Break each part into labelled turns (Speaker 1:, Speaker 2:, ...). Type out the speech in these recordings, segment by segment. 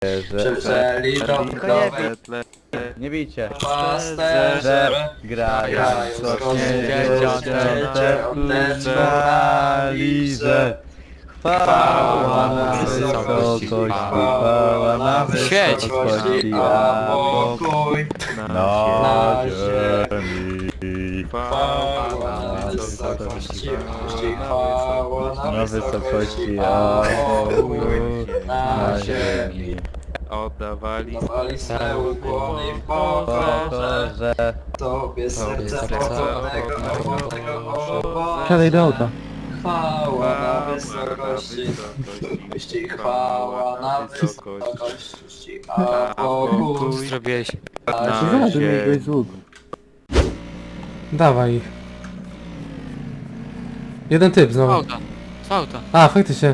Speaker 1: Przeprzeli do budowy,
Speaker 2: Nie bijcie.
Speaker 1: pasterze,
Speaker 2: Grają
Speaker 1: dziecięce, oddeszczu na liże.
Speaker 2: Chwała na wysokości, chwała na wysokości, a pokój na ziemi.
Speaker 1: Chwała na wysokości, chwała
Speaker 2: Na wysokości, a pokój na ziemi.
Speaker 3: Oddawali
Speaker 1: Dawali ukłony w pokorze,
Speaker 2: Boże.
Speaker 1: Tobie serca pokornego owocu.
Speaker 2: Siadaj do auta.
Speaker 1: Chwała na wysokości, chwała na wysokości, a pokój
Speaker 3: zrobiłeś
Speaker 1: na ziemi.
Speaker 2: z łuku.
Speaker 4: Dawaj ich. Jeden typ znowu.
Speaker 3: auta. Z auta.
Speaker 4: A, faktycznie.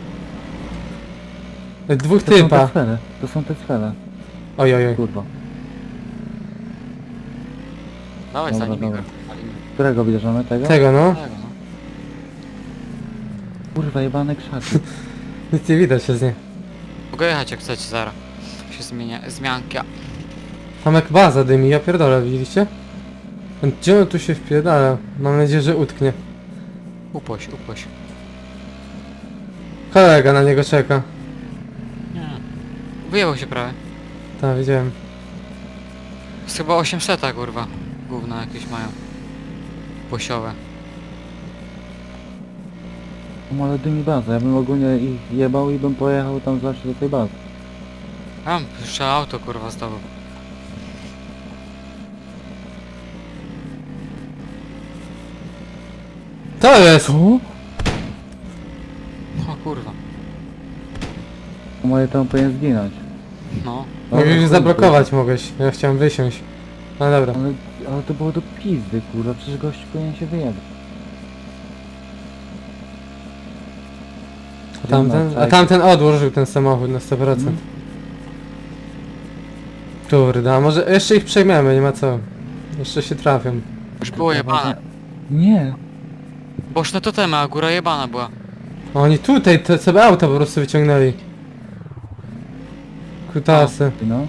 Speaker 4: Dwóch
Speaker 2: To są te
Speaker 4: typa.
Speaker 2: sfery. To są te sfery.
Speaker 4: Oj, oj, oj.
Speaker 2: Kurwa.
Speaker 3: Dawaj
Speaker 2: Dobra,
Speaker 3: za nimi.
Speaker 2: dobra. Którego bierzemy? Tego?
Speaker 4: Tego no.
Speaker 2: Kurwa, jebane krzaki.
Speaker 4: Nic nie widać się z niej.
Speaker 3: Mogę jechać jak chcecie zaraz. Się zmienia, zmianka.
Speaker 4: Tam jak baza dymi, ja pierdolę, widzieliście? Gdzie on tu się wpierdala? Mam nadzieję, że utknie.
Speaker 3: Upoś.
Speaker 4: Kolega na niego czeka.
Speaker 3: Nie. Wyjebał się prawie.
Speaker 4: Tak, widziałem.
Speaker 3: Jest chyba 800 kurwa. Gówna jakieś mają. Posiowe.
Speaker 2: Ale dymi baza. Ja bym ogólnie ich jebał i bym pojechał tam zawsze do tej bazy.
Speaker 3: Tam jeszcze auto kurwa zdobył.
Speaker 4: To jest!
Speaker 2: Co?
Speaker 3: O kurwa.
Speaker 2: Moje tam powinien zginąć.
Speaker 3: No.
Speaker 4: Mogłeś już zablokować mogłeś. Ja chciałem wysiąść. No dobra.
Speaker 2: Ale to było do pizdy, kurwa. Przecież gość powinien się wyjebać.
Speaker 4: A tamten odłożył ten samochód na 100%. Kurde, a może jeszcze ich przejmiemy, nie ma co. Jeszcze się trafią.
Speaker 3: Już było jebane.
Speaker 2: Nie.
Speaker 3: Boczne totemy, a góra jebana była.
Speaker 4: Oni tutaj te sobie auta po prostu wyciągnęli. Kutasy.
Speaker 2: No.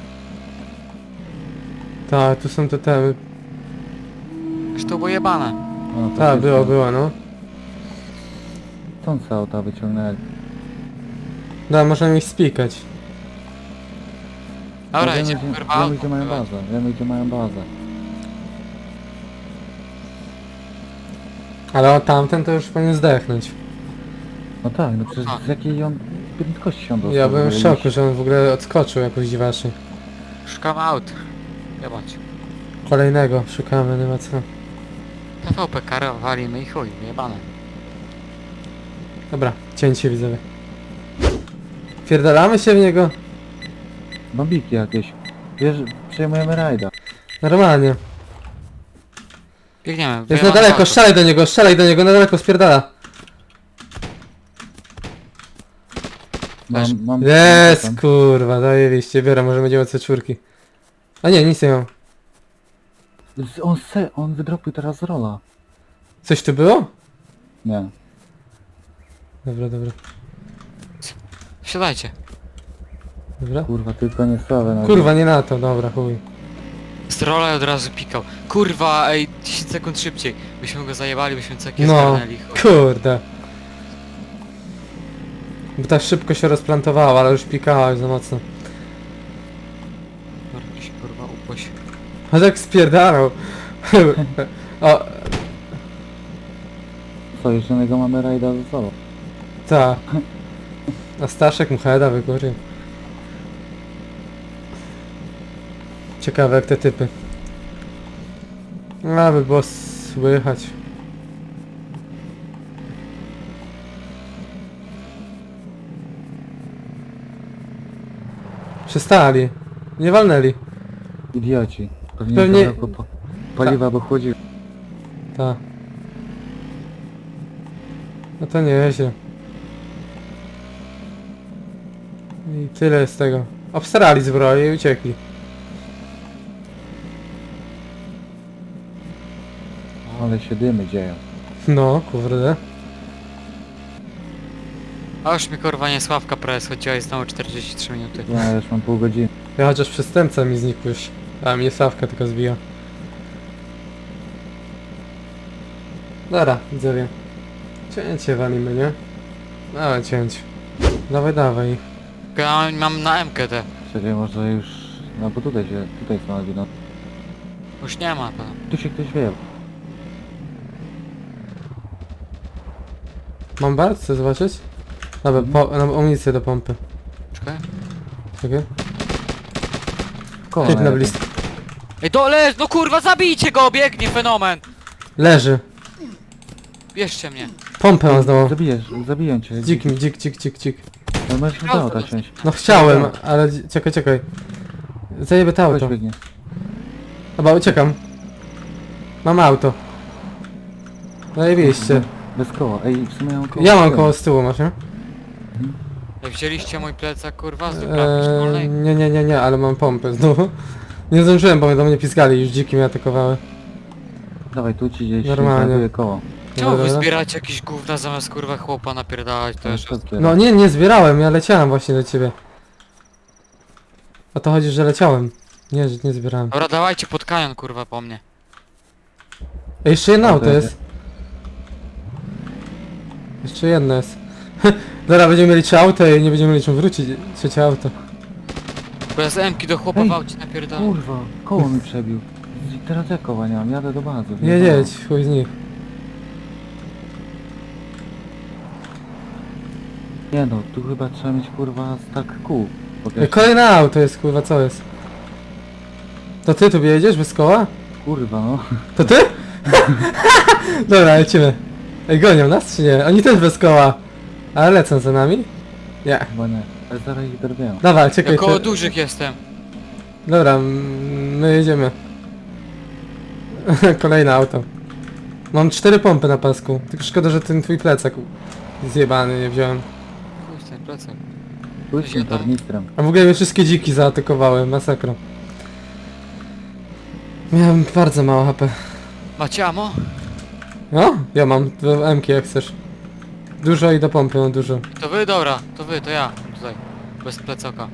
Speaker 4: Tak, tu są te temy.
Speaker 3: Już to było jebane.
Speaker 2: No, to
Speaker 4: Tak,
Speaker 2: jest-
Speaker 4: było, no.
Speaker 2: Stąd se auta wyciągnęli.
Speaker 4: Da, możemy ich spikać.
Speaker 3: Dobra,
Speaker 2: Wiemy,
Speaker 3: jedziemy
Speaker 2: gdzie-
Speaker 3: kurwa
Speaker 2: Wiemy
Speaker 3: auto.
Speaker 2: gdzie mają bazę. Wiemy gdzie mają bazę.
Speaker 4: Ale tamten to już powinien zdechnąć.
Speaker 2: No tak, no przecież
Speaker 3: Tak.
Speaker 2: z jakiej on prędkości się dostał?
Speaker 4: Ja byłem w
Speaker 2: żeby
Speaker 4: szoku,
Speaker 2: iść?
Speaker 4: że on w ogóle odskoczył jakoś dziwacznie.
Speaker 3: Szukam aut. Jebać.
Speaker 4: Kolejnego szukamy, nie ma co.
Speaker 3: TVP kara walimy i chuj, jebane.
Speaker 4: Dobra, cięcie widzowie. Pierdalamy się w niego?
Speaker 2: Bombiki jakieś. Wiesz, przejmujemy rajda.
Speaker 4: Normalnie.
Speaker 3: Biegniemy.
Speaker 4: Jest
Speaker 3: wyjebane
Speaker 4: na daleko,
Speaker 3: auto.
Speaker 4: strzelaj do niego, na daleko spierdala.
Speaker 3: Weź.
Speaker 2: Mam
Speaker 4: Jest,
Speaker 2: tam.
Speaker 4: kurwa, zajebiście, biorę, może będziemy C4. A nie, nic nie mam.
Speaker 2: On wydropił teraz z rola.
Speaker 4: Coś tu było?
Speaker 2: Nie.
Speaker 4: Dobra, dobra.
Speaker 3: Wsiadajcie.
Speaker 4: Dobra.
Speaker 2: Kurwa, tylko nie sławę na
Speaker 4: Kurwa, nie na to, dobra, chuj.
Speaker 3: Z rola od razu pikał. Kurwa, ej, 10 sekund szybciej. Byśmy go zajebali, byśmy ceki
Speaker 4: No,
Speaker 3: zgarnęli. Chuj.
Speaker 4: kurde. Bo tak szybko się rozplantowała, ale już pikała już za mocno.
Speaker 3: Dobra, się kurwa upoś.
Speaker 4: A tak spierdalał. O,
Speaker 2: Co, jeszcze jednego mamy rajda ze sobą.
Speaker 4: ta. A Staszek mu heada wygórił. Ciekawe jak te typy. Aby było słychać. Przestali. Nie walnęli.
Speaker 2: Idioci.
Speaker 4: Pewnie-
Speaker 2: Pewnie... Paliwa by chłodził.
Speaker 4: Tak. No to nieźle. I tyle z tego. Obstarali zbroję i uciekli.
Speaker 2: Ale się dymy dzieją.
Speaker 4: No, kurde.
Speaker 3: A już mi kurwa nie Sławka prawie schodziła i znowu 43 minuty.
Speaker 2: Ja już mam pół godziny.
Speaker 4: Ja chociaż przestępca mi znikł już. A mnie Sławka tylko zbija. Dobra, widzowie. Cięcie walimy, nie? Dawaj cięć. Dawaj, dawaj.
Speaker 3: Ja mam na MK te.
Speaker 2: Czekaj, może już... No bo tutaj są albino.
Speaker 3: Już nie ma to.
Speaker 2: Tu się ktoś wie.
Speaker 4: Mam bar? Chcesz zobaczyć? Dobra, amunicję do pompy.
Speaker 3: Czekaj.
Speaker 4: Czekaj.
Speaker 2: Koło
Speaker 4: Typ na
Speaker 2: najlepiej.
Speaker 4: blisko.
Speaker 3: Ej, dole! No kurwa, zabijcie go! Biegnie fenomen!
Speaker 4: Leży.
Speaker 3: Bierzcie mnie.
Speaker 4: Pompę mam znowu.
Speaker 2: Zabiję cię.
Speaker 4: Dzik mi, dzik.
Speaker 2: No możesz do auta wsiąść.
Speaker 4: No chciałem, ale czekaj. Zajebę to
Speaker 2: Ktoś
Speaker 4: auto.
Speaker 2: biegnie.
Speaker 4: Dobra, uciekam. Mam auto. Zajebiście.
Speaker 2: Bez koła. Ej, w sumie mam koło.
Speaker 4: Ja mam koło z tyłu, masz, nie?
Speaker 3: Ej, wzięliście mój plecak kurwa z duprawki szkolnej?
Speaker 4: Nie, ale mam pompę znowu. Nie zdążyłem, bo do mnie piskali, już dziki mnie atakowały.
Speaker 2: Dawaj, tu ci gdzieś
Speaker 4: Normalnie.
Speaker 2: znajduje koło.
Speaker 3: Czemu wy
Speaker 4: Dobra.
Speaker 3: zbieracie jakieś gówna zamiast kurwa chłopa napierdalać to jeszcze?
Speaker 4: No nie zbierałem, ja leciałem właśnie do ciebie. O to chodzi, że leciałem. Nie, że nie zbierałem.
Speaker 3: Dobra, dawajcie pod kanion kurwa po mnie.
Speaker 4: Ej, jeszcze jedno
Speaker 2: O,
Speaker 4: auto
Speaker 2: to
Speaker 4: jest. Jeszcze jedno jest. Dobra, będziemy mieli 3 auta i nie będziemy mieli czym wrócić. Trzecie auto.
Speaker 3: Bo ja z M-ki do chłopa
Speaker 2: Ej,
Speaker 3: w aucie napierdalam.
Speaker 2: Kurwa, koło mi przebił. Teraz ja koła nie mam, jadę do bazy.
Speaker 4: Jedź, chuj z nich.
Speaker 2: Nie no, tu chyba trzeba mieć kurwa stack kół.
Speaker 4: Ej, kolejne auto jest, kurwa, co jest? To ty tu jedziesz bez koła?
Speaker 2: Kurwa no.
Speaker 4: To ty? Dobra, lecimy. Ej, gonią nas czy nie? Oni też bez koła. Ale lecą za nami? Nie.
Speaker 2: Chyba nie. Ale zaraz ich dorwię.
Speaker 4: Dobra, czekaj.
Speaker 3: Ja koło
Speaker 4: to-
Speaker 3: dużych jestem.
Speaker 4: Dobra, my jedziemy. Kolejne auto. Mam 4 pompy na pasku. Tylko szkoda, że ten twój plecak zjebany nie wziąłem.
Speaker 3: Chuj, ten plecak.
Speaker 2: Pójdź tym
Speaker 3: Siadam.
Speaker 2: tornistrem.
Speaker 4: A w ogóle mnie wszystkie dziki zaatakowały, masakra. Miałem bardzo mało HP.
Speaker 3: Macie amo?
Speaker 4: No, ja mam 2 M-ki jak chcesz. Dużo i do pompy mam dużo.
Speaker 3: To wy, dobra, to ja. Tutaj. Bez plecaka.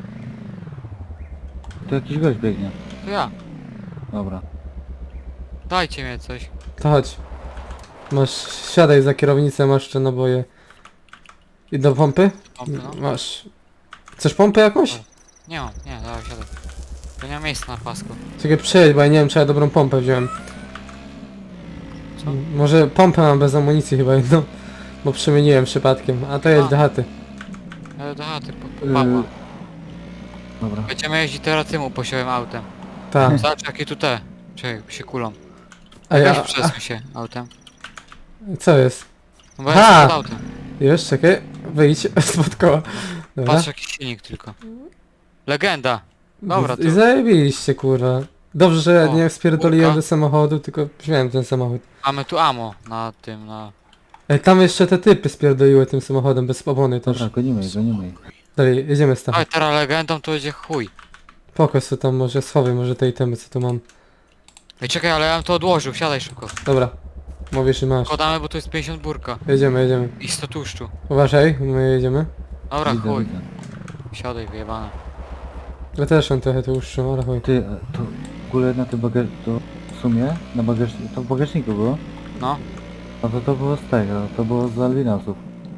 Speaker 2: Tu jakiś gość biegnie.
Speaker 3: To ja.
Speaker 2: Dobra.
Speaker 3: Dajcie mnie coś.
Speaker 4: To chodź. Masz, siadaj za kierownicę, masz jeszcze naboje. I do pompy?
Speaker 3: Pompy, no.
Speaker 4: Masz. Chcesz pompę jakąś?
Speaker 3: Nie mam, nie, dawaj, siadaj. To nie ma miejsca na pasku.
Speaker 4: Czekaj, przejedź, bo ja nie wiem, czy ja dobrą pompę wziąłem.
Speaker 3: Co?
Speaker 4: Może pompę mam bez amunicji chyba jedną. Bo przemieniłem przypadkiem. A to jedź
Speaker 3: A.
Speaker 4: do chaty.
Speaker 3: Ale do chaty, po Pawła.
Speaker 2: Dobra.
Speaker 3: Będziemy jeździć teraz tym uposiłym autem.
Speaker 4: Tak.
Speaker 3: Zobacz jakie tu te. Czekaj, się kulą.
Speaker 4: A
Speaker 3: Weź
Speaker 4: ja...
Speaker 3: przesuń się autem.
Speaker 4: Co jest?
Speaker 3: No bo
Speaker 4: Ha!
Speaker 3: ja jestem pod autem.
Speaker 4: Już, czekaj. Wyjdź spod koła. Dobra.
Speaker 3: Patrz jaki silnik tylko. Legenda. Dobra, to
Speaker 4: I zajebiliście, kurwa. Dobrze, że
Speaker 3: O,
Speaker 4: nie spierdoliłem
Speaker 3: kurka.
Speaker 4: do samochodu, tylko wziąłem ten samochód.
Speaker 3: mamy tu amo na tym, na...
Speaker 4: Ej, tam jeszcze te typy spierdoliły tym samochodem bez opony też.
Speaker 2: Dobra, gonimy ich.
Speaker 4: Dalej, jedziemy z tam.
Speaker 3: Oj, teraz legendą to będzie chuj.
Speaker 4: Pokaż co tam może, schowaj może te itemy co tu mam.
Speaker 3: Ej, czekaj, ale ja bym to odłożył, siadaj szybko.
Speaker 4: Dobra. Mówisz i masz.
Speaker 3: Podamy, bo to jest 50 burka.
Speaker 4: Jedziemy.
Speaker 3: I 100 tłuszczu.
Speaker 4: Uważaj, my jedziemy.
Speaker 3: Dobra,
Speaker 2: Widzę,
Speaker 3: chuj.
Speaker 2: widzę.
Speaker 3: Siadaj, wyjebane.
Speaker 4: Ja też mam trochę tłuszczu, ale chuj.
Speaker 2: Ty, to w ogóle na tym to w sumie, na bagażniku, to w bagażniku było?
Speaker 3: No.
Speaker 2: No to było z tego, to było z albinosów.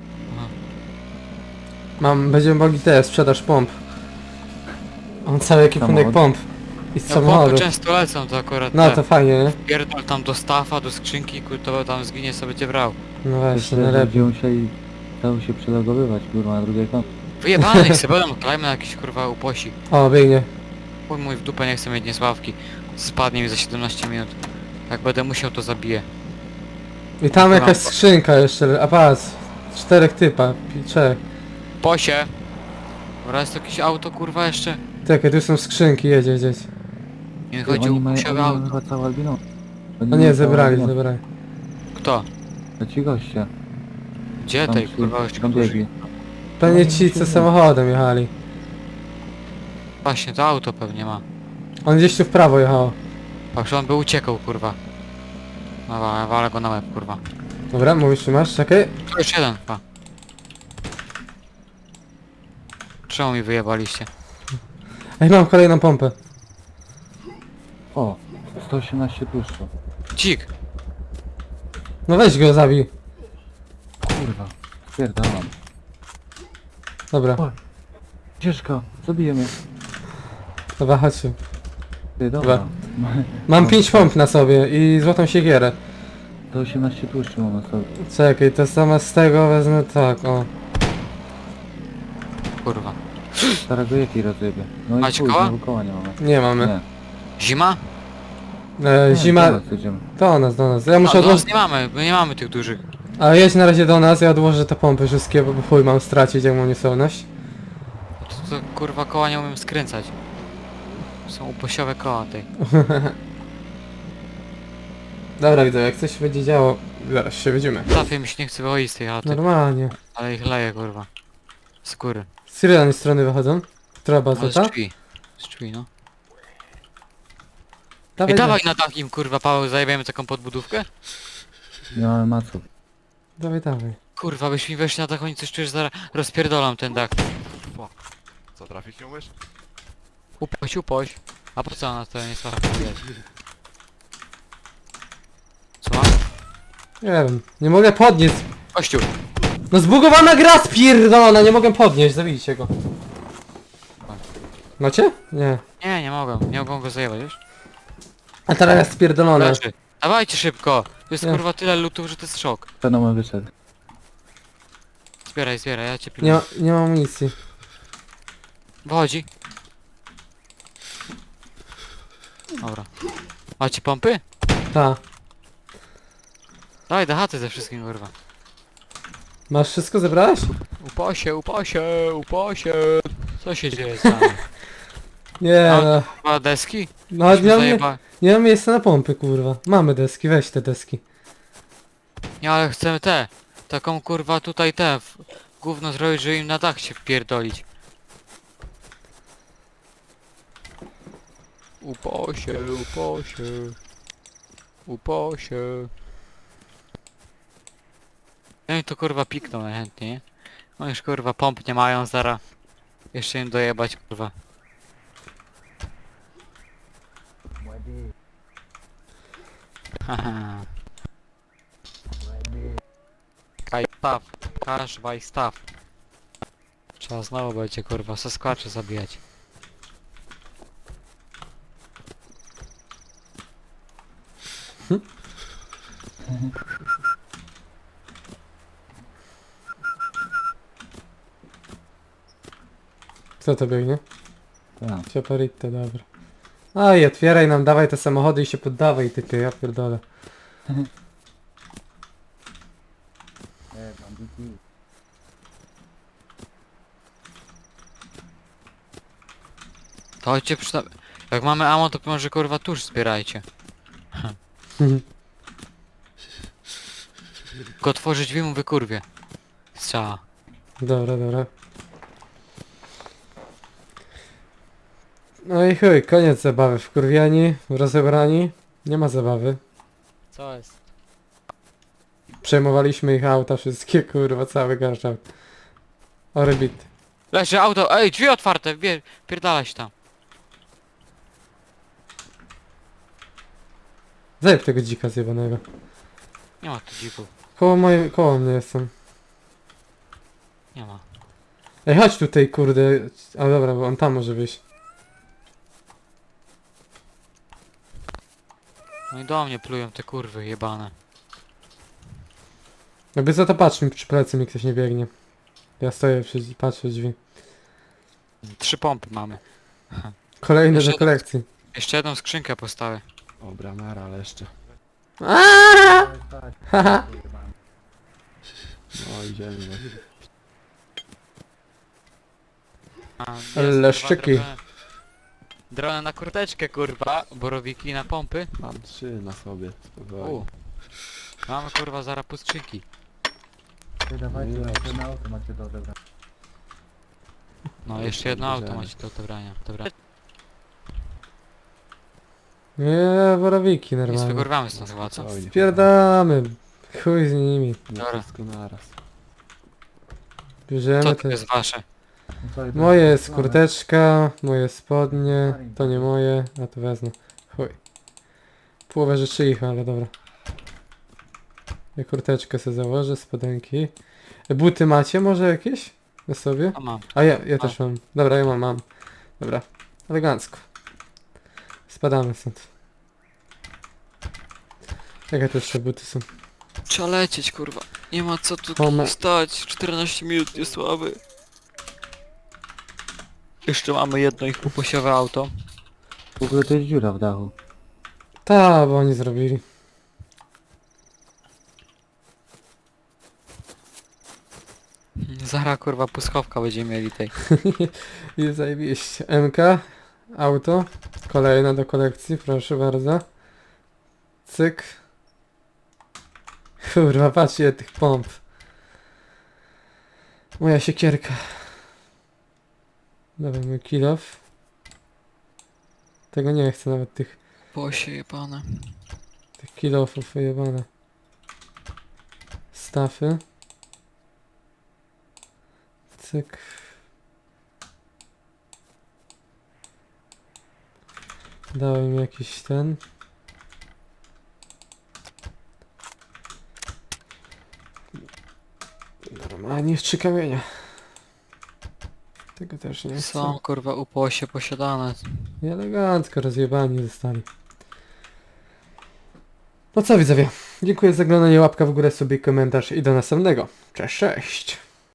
Speaker 4: Będziemy mogli też sprzedaż pomp. Mam cały ekwipunek
Speaker 2: Samochód.
Speaker 4: pomp. I z
Speaker 3: Ja pompy
Speaker 4: samochodu.
Speaker 3: często lecą, to akurat
Speaker 4: No
Speaker 3: te.
Speaker 4: to fajnie, nie?
Speaker 3: Pierdol tam do stafa, do skrzynki, to tam zginie sobie cię brał.
Speaker 4: No właśnie,
Speaker 2: Jeszcze
Speaker 4: najlepiej.
Speaker 2: ludzie musieli cały się przelogowywać, kurwa, na drugie konto.
Speaker 3: Wyjebane ich sobie będą, klejmy na jakiś kurwa uposi.
Speaker 4: O, biegnie.
Speaker 3: Chuj mój w dupę, nie chcę mieć niesławki. Spadnie mi za 17 minut. Jak będę musiał, to zabiję.
Speaker 4: I tam
Speaker 3: Dobra.
Speaker 4: jakaś skrzynka jeszcze, a patrz. 4 typa, 3.
Speaker 3: Posie! Dobra, jest to jakieś auto kurwa jeszcze?
Speaker 4: Czekaj, tu są skrzynki, jedź.
Speaker 3: Nie
Speaker 2: Ty,
Speaker 3: chodzi o
Speaker 2: oni mają
Speaker 3: uposiowe auto.
Speaker 2: chyba całe albinos.
Speaker 4: No nie, zebrali.
Speaker 3: Kto?
Speaker 2: To ci goście.
Speaker 3: Gdzie tej kurwa jeszcze
Speaker 2: tam
Speaker 3: którzy?
Speaker 2: biegli.
Speaker 4: Pewnie ci co samochodem jechali.
Speaker 3: Właśnie, to auto pewnie ma.
Speaker 4: On gdzieś tu w prawo jechało.
Speaker 3: Patrz, on by uciekał kurwa. No walę go na łeb kurwa.
Speaker 4: Dobra, mówisz czy masz? Czekaj.
Speaker 3: To już jeden chyba. Czemu mi wyjebaliście?
Speaker 4: Ej, mam kolejną pompę.
Speaker 2: O, 118 tłuszczu.
Speaker 3: Dzik!
Speaker 4: No weź go, zabij.
Speaker 2: Kurwa, spierdalam.
Speaker 4: Dobra,
Speaker 2: Ciężko, zabijemy.
Speaker 4: dobra, chodźcie.
Speaker 2: Ty, dobra.
Speaker 4: Mam 5 pomp na sobie i złotą siekierę.
Speaker 2: 118 tłuszczu mam na sobie.
Speaker 4: Czekaj, to zamiast tego wezmę tak, o.
Speaker 3: Kurwa.
Speaker 2: Starego jaki rozjebie. No i
Speaker 3: Macie
Speaker 2: chuj,
Speaker 3: koła?
Speaker 2: znowu koła nie mamy.
Speaker 4: Nie mamy.
Speaker 2: Nie.
Speaker 3: Zima?
Speaker 2: Nie,
Speaker 4: Zima...
Speaker 2: do nas jedziemy.
Speaker 4: Do nas, do nas. Ja
Speaker 3: A
Speaker 4: muszę
Speaker 3: do nas
Speaker 4: odłożyć...
Speaker 3: nie mamy, my nie mamy tych dużych.
Speaker 4: Ale jedź na razie do nas, ja odłożę te pompy wszystkie, bo chuj mam stracić, jak mam niesolność.
Speaker 3: To kurwa koła nie umiem skręcać. Są uposiowe koła tej.
Speaker 4: Dobra, widzę, jak coś będzie działo, zaraz się widzimy.
Speaker 3: Trafie mi się nie chce wychodzić z tej chaty.
Speaker 4: Normalnie.
Speaker 3: Ale ich leje kurwa. Z góry.
Speaker 4: Z której strony wychodzą? Która baza,
Speaker 3: Ale z
Speaker 4: ta?
Speaker 3: drzwi. Z drzwi no. I
Speaker 4: Dawaj,
Speaker 3: dawaj na takim kurwa Paweł, zajebiemy taką podbudówkę?
Speaker 2: Nie mamy maców.
Speaker 4: dawaj, dawaj.
Speaker 3: Kurwa byś mi weszli na dach, oni coś czujesz, zaraz rozpierdolam ten dach.
Speaker 5: Co, trafić nie umiesz?
Speaker 3: Upoś, upoś. A po co ona to nie stara Co mam?
Speaker 4: Nie wiem, nie mogę podnieść.
Speaker 3: Kościół!
Speaker 4: No zbugowana gra spierdolona, nie mogę podnieść, zabijcie go. Macie? Nie.
Speaker 3: Nie mogą go zajebać, wiesz?
Speaker 4: A teraz jest spierdolone.
Speaker 3: Leży. Dawajcie szybko! Tu jest
Speaker 4: Nie.
Speaker 3: kurwa tyle lutów, że to jest szok.
Speaker 2: Fenomen wyszedł.
Speaker 3: Zbieraj, ja cię pilnuję.
Speaker 4: Nie mam amunicji.
Speaker 3: Wychodzi. Dobra. Macie pompy?
Speaker 4: Ta.
Speaker 3: Dawaj do chaty ze wszystkim kurwa.
Speaker 4: Masz wszystko zebrałeś?
Speaker 3: Uposie. Co się dzieje z nami?
Speaker 4: Nie
Speaker 3: A,
Speaker 4: no.
Speaker 3: Kurwa deski?
Speaker 4: No
Speaker 3: Myśmy
Speaker 4: nie mam, nie mam miejsca na pompy, kurwa. Mamy deski, weź te deski.
Speaker 3: Nie, ale chcemy te. Taką kurwa tutaj te. Gówno zrobić, żeby im na dach się wpierdolić. Uposie. Ja mi to kurwa pikną najchętniej, nie? No już kurwa pomp nie mają, zara. Jeszcze im dojebać kurwa. Haha. Kaj staw. Kasz waj staw. Trzeba znowu będzie kurwa saskłacze zabijać.
Speaker 4: Co to biegnie?
Speaker 2: Tak.
Speaker 4: Ciaparite, dobra. Aj, otwieraj nam, dawaj te samochody i się poddawaj, typie, ja pierdolę.
Speaker 3: To chodźcie jak mamy ammo, to może kurwa tuż zbierajcie. Tylko otworzyć drzwi mu wykurwie. Strzała.
Speaker 4: Dobra, dobra. No i chuj, koniec zabawy. Wkurwiani, rozebrani. Nie ma zabawy.
Speaker 3: Co jest?
Speaker 4: Przejmowaliśmy ich auta wszystkie, kurwa, cały garszał. Orbit.
Speaker 3: Leży auto, ej, drzwi otwarte, pierdalać tam.
Speaker 4: Zajeb tego dzika zjebanego.
Speaker 3: Nie ma tu dzików,
Speaker 4: Koło mnie jestem.
Speaker 3: nie ma.
Speaker 4: Ej, chodź tutaj, kurde. A dobra, bo on tam może wyjść.
Speaker 3: No i do mnie plują te kurwy jebane.
Speaker 4: Jakby za to patrz mi przy plecy, mi ktoś nie biegnie. Ja stoję patrzę w drzwi.
Speaker 3: 3 pompy mamy.
Speaker 4: Kolejne
Speaker 3: Jeszcze-
Speaker 4: do kolekcji.
Speaker 3: Jeszcze jedną skrzynkę postawię.
Speaker 5: O, bramera, ale jeszcze.
Speaker 4: Haha.
Speaker 5: No, idziemy. No.
Speaker 3: A, jest,
Speaker 4: Ale
Speaker 3: kurwa,
Speaker 4: szczyki.
Speaker 3: Dronę na kurteczkę kurwa, borowiki na pompy.
Speaker 5: Mam 3 na sobie, spokojnie.
Speaker 3: Mamy kurwa zaraz pustczyki.
Speaker 2: Dawajcie,
Speaker 5: No i
Speaker 2: jeszcze na auto macie do odebrania.
Speaker 3: No jeszcze jedno auto macie do odebrania. Dobra.
Speaker 4: Nie, borowiki
Speaker 3: Nic
Speaker 4: normalnie.
Speaker 3: wygorwamy stąd chyba, co?
Speaker 5: Spokojnie.
Speaker 4: Spierdamy. Chuj z nimi.
Speaker 5: Nie
Speaker 3: Dobra.
Speaker 5: wszystko naraz.
Speaker 3: Co
Speaker 4: Bierzemy
Speaker 3: to
Speaker 4: te...
Speaker 3: jest wasze?
Speaker 4: Moje jest kurteczka, moje spodnie, to nie moje, a to wezmę. Chuj. Połowę rzeczy ich, ale dobra. Ja kurteczkę sobie założę, spodenki. Buty macie może jakieś? Na sobie?
Speaker 3: A mam.
Speaker 4: A ja też mam. Dobra, ja mam. Dobra, elegancko. Spadamy stąd. Jakie to jeszcze buty są?
Speaker 3: Trzeba lecieć, kurwa. Nie ma co tu
Speaker 4: Home.
Speaker 3: stać. 14 minut niesławy. Jeszcze mamy jedno ich uposiowe auto.
Speaker 2: W ogóle to jest dziura w dachu.
Speaker 4: Ta, bo oni zrobili.
Speaker 3: Zara kurwa puskowka będziemy mieli tej.
Speaker 4: I zajebiście. MK, auto, kolejne do kolekcji, proszę bardzo. Cyk. Kurwa, patrzcie tych pomp. Moja siekierka. Dawaj mój kill off. Tego nie chcę nawet tych
Speaker 3: Bosie jebane.
Speaker 4: kill offów wyjebane. Stafy. Cyk. Dałem mi jakiś ten. Normalnie jeszcze kamienia. Tego też nie chcę.
Speaker 3: Są kurwa uposie posiadane.
Speaker 4: I elegancko rozjebani zostali. No co widzowie, dziękuję za oglądanie, łapka w górę, sobie komentarz i do następnego. Cześć, cześć!